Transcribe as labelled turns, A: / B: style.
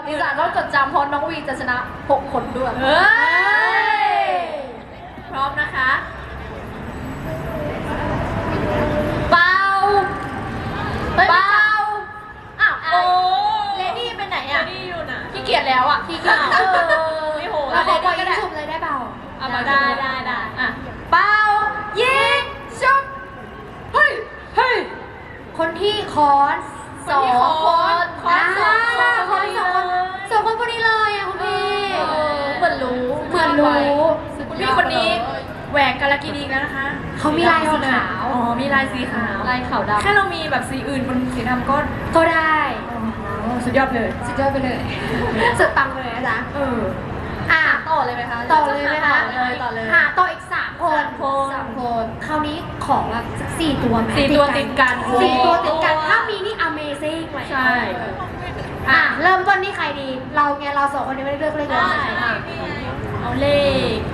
A: ติศาสตร์ต้องจดจำเพราะน้องวีจะชนะ6 คนด้วย
B: เฮ้ยพร้อมนะคะ
A: เปล่าเปล่าอ้าว
B: โอ้
A: เลดี้เป็นไหนอ่ะ
B: นี่อยู่นะ
A: ขี้เกียจแล้วอ่ะขี้เกียจ
B: ไม่โห
A: เราขอปล่อย
B: ก็
A: ยิง
B: ได้
A: ฉุบเลยได้เปล่า
B: เอามาได้
A: อ่ะเปล่ายิงฉุบเฮ้ยเฮ้ยคนที่คอนสองคน
B: คอนสองคน
A: คนสองคนคนนี้เลยอ่ะคุณพี่เหมือนรู้
B: คุณพี่คนนี้แหวกกาลกินีแล้วนะคะ
A: เขามีลายสีขาว
B: อ๋อมีลายสีขาว
A: ลายขาวดำ
B: แค่เรามีแบบสีอื่นบนสีดำก็
A: ได้
B: สุดยอดเลย
A: สุดยอดไปเลยสุดปังเลยนะจ๊ะต่อเลยไหมคะต่อเลยไหมคะ
B: ต่อเลย
A: ต่ออีก3 คนคราวนี้ขอแบบสัก4 ตัวไหม
B: 4 ตัวติดกัน
A: 4 ตัวติดกันถ้ามีนี่ Amazing เลย
B: ใช่
A: เริ่มต้นที่ใครดีเรา2 คนนี้ไม่ได้เลือกเลย
B: เอาเลข